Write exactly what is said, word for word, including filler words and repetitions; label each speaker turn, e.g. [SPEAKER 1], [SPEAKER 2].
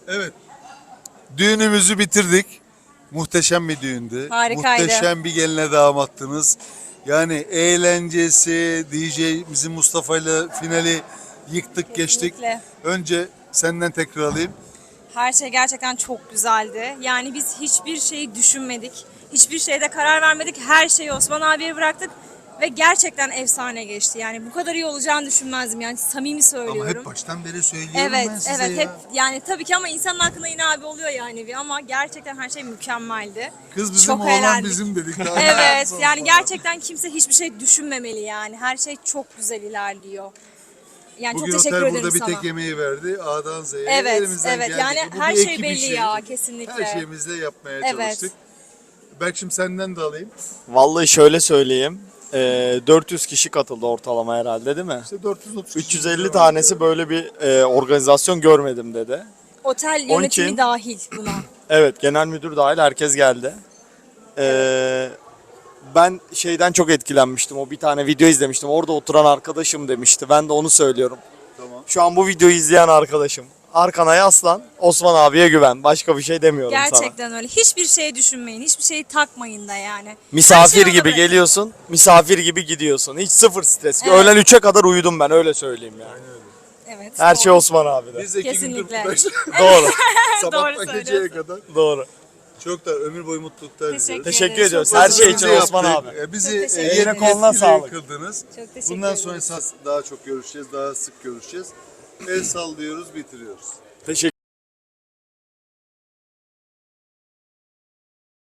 [SPEAKER 1] Evet. Düğünümüzü bitirdik. Muhteşem bir düğündü.
[SPEAKER 2] Harikaydı.
[SPEAKER 1] Muhteşem bir geline damattınız. Yani eğlencesi, D J'imizin Mustafa ile finali yıktık geçtik.
[SPEAKER 2] Kesinlikle.
[SPEAKER 1] Önce senden tekrar alayım.
[SPEAKER 2] Her şey gerçekten çok güzeldi. Yani biz hiçbir şeyi düşünmedik. Hiçbir şeyde karar vermedik. Her şeyi Osman abiye bıraktık. Ve gerçekten efsane geçti. Yani bu kadar iyi olacağını düşünmezdim. Yani samimi söylüyorum.
[SPEAKER 1] Ama hep baştan beri söylüyorum
[SPEAKER 2] Evet,
[SPEAKER 1] ben size
[SPEAKER 2] evet.
[SPEAKER 1] ya.
[SPEAKER 2] Hep yani tabii ki ama insanın aklına yine abi oluyor yani bir ama gerçekten her şey mükemmeldi.
[SPEAKER 1] Kız bizim,
[SPEAKER 2] Çok
[SPEAKER 1] oğlan
[SPEAKER 2] eğlendik.
[SPEAKER 1] bizim dedik. Daha
[SPEAKER 2] Evet,
[SPEAKER 1] sonra.
[SPEAKER 2] yani gerçekten kimse hiçbir şey düşünmemeli yani. Her şey çok güzel ilerliyor. Yani
[SPEAKER 1] Bugün
[SPEAKER 2] çok teşekkür
[SPEAKER 1] otel
[SPEAKER 2] ederim
[SPEAKER 1] burada bir
[SPEAKER 2] sana.
[SPEAKER 1] tek yemeği verdi. A'dan Z'ye
[SPEAKER 2] Evet,
[SPEAKER 1] elimizden
[SPEAKER 2] evet.
[SPEAKER 1] geldi.
[SPEAKER 2] Yani
[SPEAKER 1] Bu
[SPEAKER 2] her
[SPEAKER 1] bir
[SPEAKER 2] şey
[SPEAKER 1] ekip
[SPEAKER 2] belli
[SPEAKER 1] işi.
[SPEAKER 2] ya, kesinlikle.
[SPEAKER 1] Her şeyimizle yapmaya
[SPEAKER 2] Evet.
[SPEAKER 1] çalıştık. Berk'cim senden de alayım.
[SPEAKER 3] Vallahi şöyle söyleyeyim. Ee, dört yüz kişi katıldı ortalama herhalde değil mi?
[SPEAKER 1] İşte dört yüz otuz
[SPEAKER 3] üç yüz elli tanesi böyle bir e, organizasyon görmedim dedi.
[SPEAKER 2] Otel
[SPEAKER 3] Onun
[SPEAKER 2] yönetimi
[SPEAKER 3] için-
[SPEAKER 2] dahil buna.
[SPEAKER 3] Evet, genel müdür dahil herkes geldi. Ee, Ben şeyden çok etkilenmiştim. O bir tane video izlemiştim. Orada oturan arkadaşım demişti. Ben de onu söylüyorum.
[SPEAKER 1] Tamam.
[SPEAKER 3] Şu an bu videoyu izleyen arkadaşım. Arkana yaslan, Osman abiye güven. Başka bir şey demiyorum sana.
[SPEAKER 2] Gerçekten öyle. Hiçbir şey düşünmeyin. Hiçbir şeyi takmayın da yani. Her
[SPEAKER 3] Misafir
[SPEAKER 2] şeyi ona
[SPEAKER 3] gibi
[SPEAKER 2] bırakın.
[SPEAKER 3] geliyorsun, misafir gibi gidiyorsun. Hiç sıfır stres.
[SPEAKER 2] Evet.
[SPEAKER 3] Öğlen üçe kadar uyudum ben, öyle söyleyeyim yani.
[SPEAKER 2] Evet.
[SPEAKER 3] Her
[SPEAKER 2] doğru.
[SPEAKER 3] şey Osman abide.
[SPEAKER 1] Biz de iki gündür
[SPEAKER 2] Kesinlikle.
[SPEAKER 1] buradayız.
[SPEAKER 3] Doğru,
[SPEAKER 1] Sabahtan
[SPEAKER 2] Doğru
[SPEAKER 1] geceye
[SPEAKER 2] söylüyorsun.
[SPEAKER 1] kadar.
[SPEAKER 3] doğru.
[SPEAKER 1] Çok da ömür boyu mutluluklar
[SPEAKER 2] Teşekkür
[SPEAKER 1] diliyoruz.
[SPEAKER 3] Teşekkür
[SPEAKER 2] ederim.
[SPEAKER 3] ediyoruz.
[SPEAKER 2] Çok
[SPEAKER 3] Her
[SPEAKER 2] sağ
[SPEAKER 3] şey
[SPEAKER 2] olun.
[SPEAKER 3] için
[SPEAKER 1] Bizi
[SPEAKER 3] Osman
[SPEAKER 1] yaptık.
[SPEAKER 3] abi.
[SPEAKER 1] E, Bizi
[SPEAKER 2] Çok
[SPEAKER 1] e,
[SPEAKER 2] teşekkür
[SPEAKER 1] yeni
[SPEAKER 2] ederim.
[SPEAKER 3] Koluna
[SPEAKER 1] etkili
[SPEAKER 3] sağlık.
[SPEAKER 1] kıldınız.
[SPEAKER 2] Çok teşekkür
[SPEAKER 1] Bundan
[SPEAKER 2] ederim.
[SPEAKER 1] sonra esas daha çok görüşeceğiz, daha sık görüşeceğiz. El sallıyoruz, bitiriyoruz.
[SPEAKER 3] Teşekkür